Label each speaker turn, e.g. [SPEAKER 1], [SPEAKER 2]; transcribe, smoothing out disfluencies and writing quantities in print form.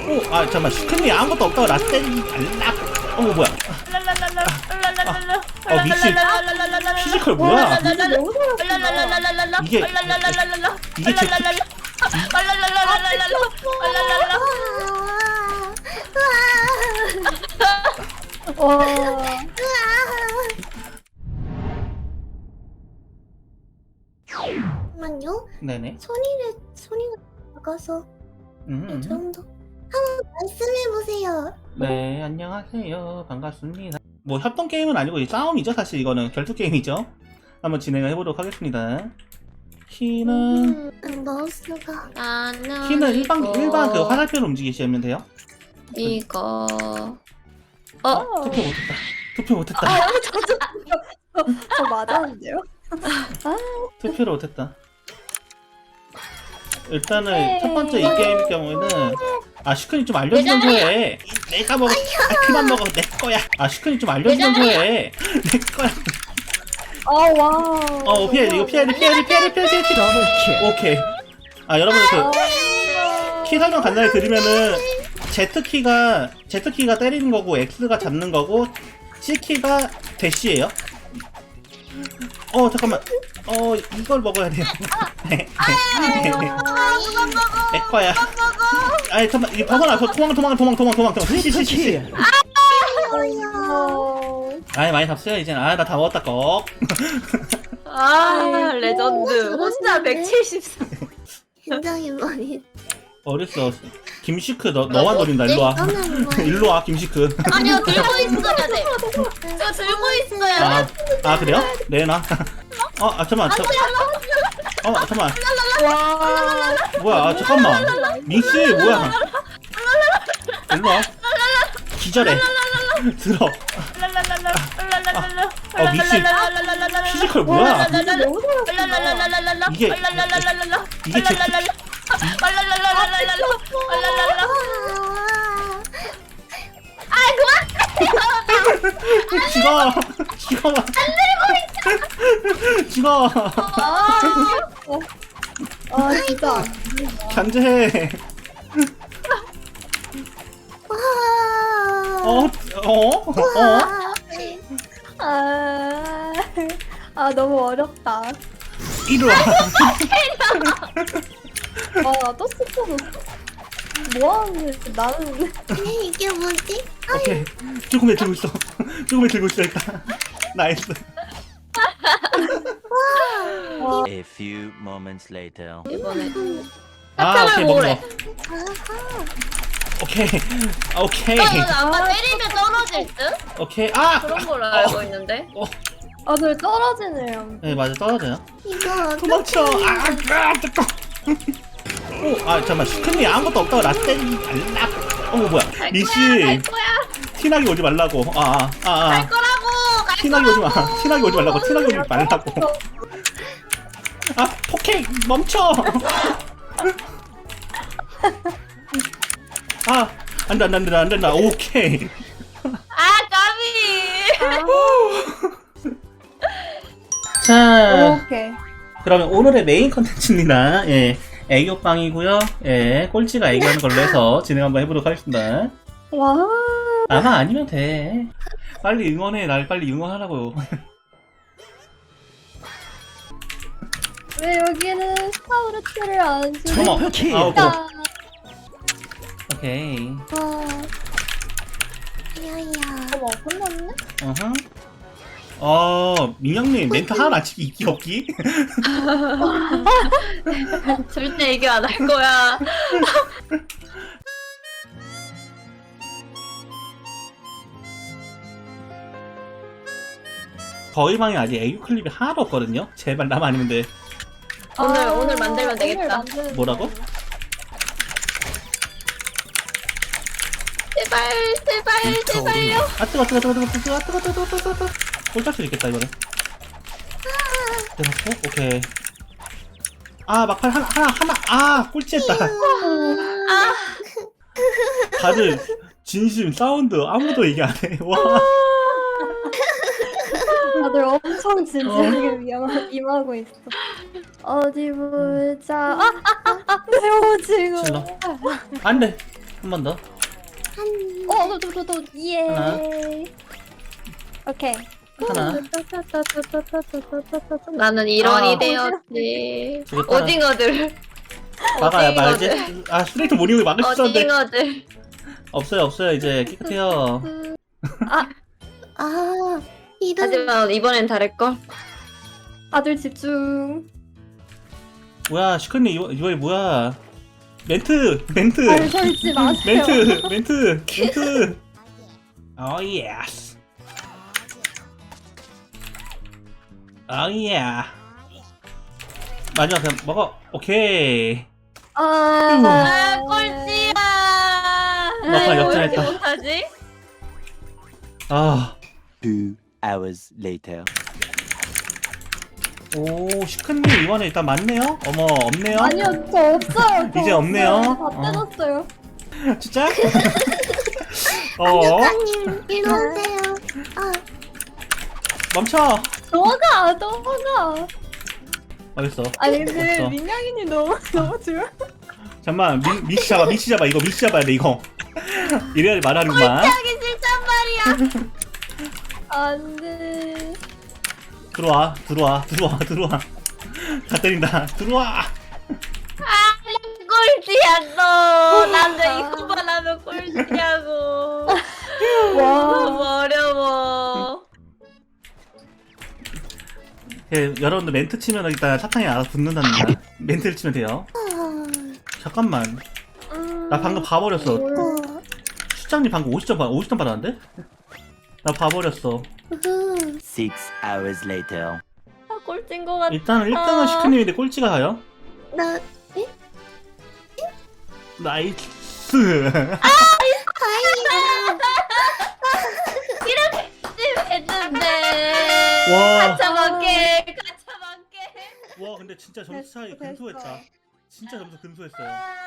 [SPEAKER 1] 아 잠깐만 스크린이 아무것도 없다고 나 때리지 말라. 뭐야? 미친 피지컬 뭐야? 이게 제
[SPEAKER 2] 잠깐만요.
[SPEAKER 1] 네네.
[SPEAKER 2] 소리가 작아서 이 정도. 한번 말씀해보세요.
[SPEAKER 1] 네 안녕하세요 반갑습니다. 뭐 협동 게임은 아니고 싸움이죠 사실 이거는 결투 게임이죠. 한번 진행을 해보도록 하겠습니다. 키는
[SPEAKER 2] 마우스가.
[SPEAKER 1] 키는 일반 그 화살표로 움직이시면 돼요.
[SPEAKER 3] 이거
[SPEAKER 1] 투표 못했다.
[SPEAKER 4] 저 맞았는데요?
[SPEAKER 1] 투표를 못했다. 일단은 첫 번째 이 게임의 경우에는 슈크님 좀 알려주면 해. 내가 먹어. 그만 먹어. 내 거야. 슈크님 좀 알려주면 해. 내 거야.
[SPEAKER 4] 와.
[SPEAKER 1] 피해. 이거 피해. 오케이. 여러분들 키 설명 간단히 드리면은 Z키가 때리는 거고 X가 잡는 거고 C키가 대시예요. 잠깐만. 이걸 먹어야 돼요. 내 거야. 잠깐만. 이거 벗어나. 도망. 시. 많이 잡어요 이제. 나 다 먹었다 꺽.
[SPEAKER 3] 레전드 혼자 174.
[SPEAKER 2] 굉장히 많이.
[SPEAKER 1] 어렸어. 김시크 너만 노린다. 일로와. 일로와 김시크.
[SPEAKER 3] 아니요 들고 있어야 돼. 저 들고 있어야 돼.
[SPEAKER 1] 그래요? 내놔. 잠깐만. 잠깐만. 뭐야? 잠깐만. 민씨 뭐야? 일로와. 기절해. 들어. 민씨 피지컬 뭐야? 이게 제 죽어.
[SPEAKER 4] 진짜.
[SPEAKER 1] 견제해.
[SPEAKER 4] 너무 어렵다.
[SPEAKER 1] 이리와.
[SPEAKER 4] 또 스포졌어. 뭐하는 거야? 나는.
[SPEAKER 2] 이게 뭐지?
[SPEAKER 1] 오케이. 조금에 들고 있어. 일단. 나이스.
[SPEAKER 5] A few moments later.
[SPEAKER 3] 이번에
[SPEAKER 1] 오케이 먹어.
[SPEAKER 2] 아하.
[SPEAKER 1] 오케이.
[SPEAKER 3] 아까 때리면 떨어질 듯?
[SPEAKER 1] 오케이.
[SPEAKER 3] 그런 걸로 알고 있는데.
[SPEAKER 4] 늘 떨어지네요.
[SPEAKER 1] 네 맞아 떨어져요.
[SPEAKER 2] 이거
[SPEAKER 1] 도망쳐. 잠깐만 스크린이 아무것도 없다고 나 때리지 말라. 뭐야? 리씨 티나게 오지 말라고.
[SPEAKER 3] 갈 거라고.
[SPEAKER 1] 티나게 오지 말라고. 폭행 멈춰. 안 된다. 오케이.
[SPEAKER 3] 까비.
[SPEAKER 1] 자,
[SPEAKER 4] 오케이.
[SPEAKER 1] 그러면 오늘의 메인 컨텐츠입니다. 애교빵이고요. 꼴찌가 애교하는 걸로 해서 진행 한번 해보도록 하겠습니다.
[SPEAKER 4] 와.
[SPEAKER 1] 아마 아니면 돼. 빨리 응원해. 날 빨리 응원하라고요.
[SPEAKER 4] 왜 여기는 스타우르트를 안 주지?
[SPEAKER 1] 오케이.
[SPEAKER 2] 야야.
[SPEAKER 4] 끝났네?
[SPEAKER 1] 민영님 멘트 하나 안 치기 있기 없기?
[SPEAKER 3] 절대 얘기 안 할 거야.
[SPEAKER 1] 저희 방에 아직 애교 클립이 하나도 없거든요? 제발 나만 아니면 돼.
[SPEAKER 3] 오늘 만들면 되겠다.
[SPEAKER 1] 뭐라고?
[SPEAKER 3] 제발요.
[SPEAKER 1] 뜨거. 꼴짝 수 있겠다 이거는. 대박고? 오케이. 막판 하나. 꼴찌했다. 다들 진심 사운드 아무도 얘기 안 해. 와.
[SPEAKER 4] 다들 엄청 진지하게 임하고 있어. 어디 보자. 내 오징어.
[SPEAKER 1] 질러. 안 돼. 한 번 더.
[SPEAKER 4] 저도 예.
[SPEAKER 1] 하나.
[SPEAKER 4] 오케이.
[SPEAKER 1] 하나.
[SPEAKER 3] 나는 일원이
[SPEAKER 1] 아.
[SPEAKER 3] 되었지.
[SPEAKER 1] 저기 팔아.
[SPEAKER 3] 오징어들.
[SPEAKER 1] 막아야
[SPEAKER 3] 오징어들.
[SPEAKER 1] 말지. 아 스트레이트 모닝을 막을 수 있었는데.
[SPEAKER 3] 오징어들.
[SPEAKER 1] 없어요 이제 깨끗해요.
[SPEAKER 2] 아, 이런.
[SPEAKER 3] 하지만 이번엔 다를걸.
[SPEAKER 4] 다들 집중.
[SPEAKER 1] 뭐야 슈크님 이번에 뭐야? 멘트.
[SPEAKER 4] 발 설치 마세요.
[SPEAKER 1] 멘트. 오 예스. 오 예. 마지막 그냥 먹어. 오케이.
[SPEAKER 3] 아, 꼴찌야.
[SPEAKER 1] 막판
[SPEAKER 3] 왜
[SPEAKER 1] 역전했다.
[SPEAKER 3] 이렇게 못하지?
[SPEAKER 1] 아.
[SPEAKER 5] 2 hours later.
[SPEAKER 1] 오 슈크님 이번에 일단 맞네요. 어머 없네요.
[SPEAKER 4] 아니요, 저 없어요. 저
[SPEAKER 1] 이제 없네요.
[SPEAKER 4] 없어요. 다 떼졌어요.
[SPEAKER 1] 진짜?
[SPEAKER 2] 안녕님 일로 오세요. 아,
[SPEAKER 1] 멈춰.
[SPEAKER 4] 너가.
[SPEAKER 1] 알겠어.
[SPEAKER 4] 아니 근데
[SPEAKER 1] 없어.
[SPEAKER 4] 민영이님 너무 좋아.
[SPEAKER 1] 잠만 미치 잡아 이거 미치 잡아야 돼 이거. 이래야 말하는구만.
[SPEAKER 3] 하기 싫단 말이야.
[SPEAKER 4] 안돼.
[SPEAKER 1] 들어와. 다 때린다. 들어와.
[SPEAKER 3] 꼴찌야 너. 난왜 이거만 하면 꼴찌냐고. 너무 어려워.
[SPEAKER 1] 예, 여러분들 멘트 치면 일단 사탕이 알아서 붙는답니다. 멘트를 치면 돼요. 잠깐만. 나 방금 봐버렸어. 수장님 방금 50점 받았는데? 나 봐버렸어.
[SPEAKER 5] 6 hours later.
[SPEAKER 3] 아, 꼴찌인 것 같아.
[SPEAKER 1] 일단 1등은 슈크님인데 꼴찌가 가요.
[SPEAKER 2] 나,
[SPEAKER 1] 나이스.
[SPEAKER 2] 다행이다.
[SPEAKER 3] 했는데.
[SPEAKER 1] 와.
[SPEAKER 3] 가차먹게.
[SPEAKER 1] 와 근데 진짜 점수 차이
[SPEAKER 4] 됐어.
[SPEAKER 1] 근소했다. 진짜 점수 근소했어요.